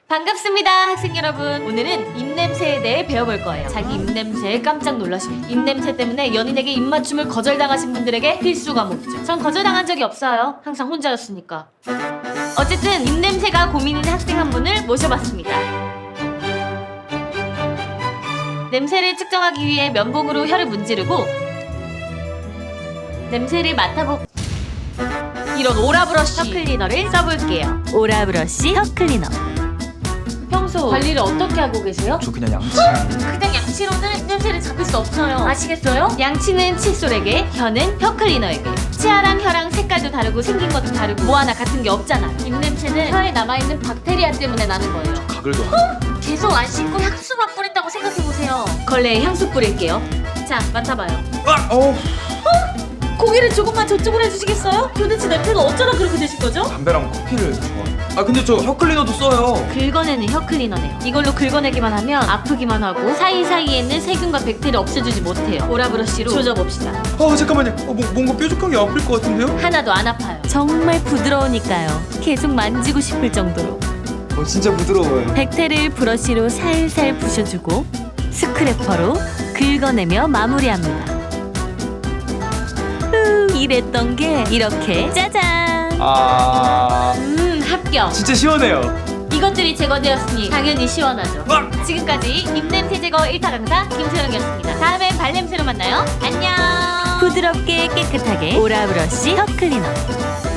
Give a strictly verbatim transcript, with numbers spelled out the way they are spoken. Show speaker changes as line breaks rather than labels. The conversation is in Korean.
반갑습니다, 학생 여러분. 오늘은 입냄새에 대해 배워볼 거예요. 자기 입냄새에 깜짝 놀라신, 입냄새 때문에 연인에게 입맞춤을 거절당하신 분들에게 필수 과목이죠. 전 거절당한 적이 없어요. 항상 혼자였으니까. 어쨌든 입냄새가 고민인 학생 한 분을 모셔봤습니다. 냄새를 측정하기 위해 면봉으로 혀를 문지르고 냄새를 맡아보... 이런 오라브러쉬 혀 클리너를 써볼게요. 오라브러쉬 혀 클리너. 평소 관리를 어떻게 하고 계세요?
저 그냥 양치.
그냥 양치로는 냄새를 잡을 수 없어요. 아시겠어요? 양치는 칫솔에게, 혀는 혀 클리너에게. 치아랑 혀랑 색깔도 다르고 생긴 것도 다르고 뭐 하나 같은 게 없잖아. 입냄새는 혀에 남아있는 박테리아 때문에 나는 거예요.
가글도 안
계속 안 씻고 향수만 뿌린다고 생각해보세요. 걸레에 향수 뿌릴게요. 자, 맡아봐요.
아! 어.
고개를 조금만 저쪽으로 해주시겠어요? 도대체 냄새가 어쩌다 그렇게 되신 거죠?
담배랑 커피를 좋아해요. 아 근데 저 혀 클리너도 써요.
긁어내는 혀 클리너네요. 이걸로 긁어내기만 하면 아프기만 하고 사이사이에 있는 세균과 백테리아 없애주지 못해요. 오라브러쉬로 조져봅시다.
어 잠깐만요. 어, 뭐, 뭔가 뾰족한 게 아플 것 같은데요?
하나도 안 아파요. 정말 부드러우니까요. 계속 만지고 싶을 정도로.
어 진짜 부드러워요.
백테를 브러쉬로 살살 부셔주고 스크래퍼로 긁어내며 마무리합니다. 후, 이랬던 게 이렇게 짜잔!
아
음, 합격!
진짜 시원해요.
이것들이 제거되었으니 당연히 시원하죠.
아!
지금까지 입냄새 제거 일 타 강사 김소영이었습니다. 다음엔 발냄새로 만나요. 안녕! 부드럽게 깨끗하게 오라브러쉬 혀 클리너.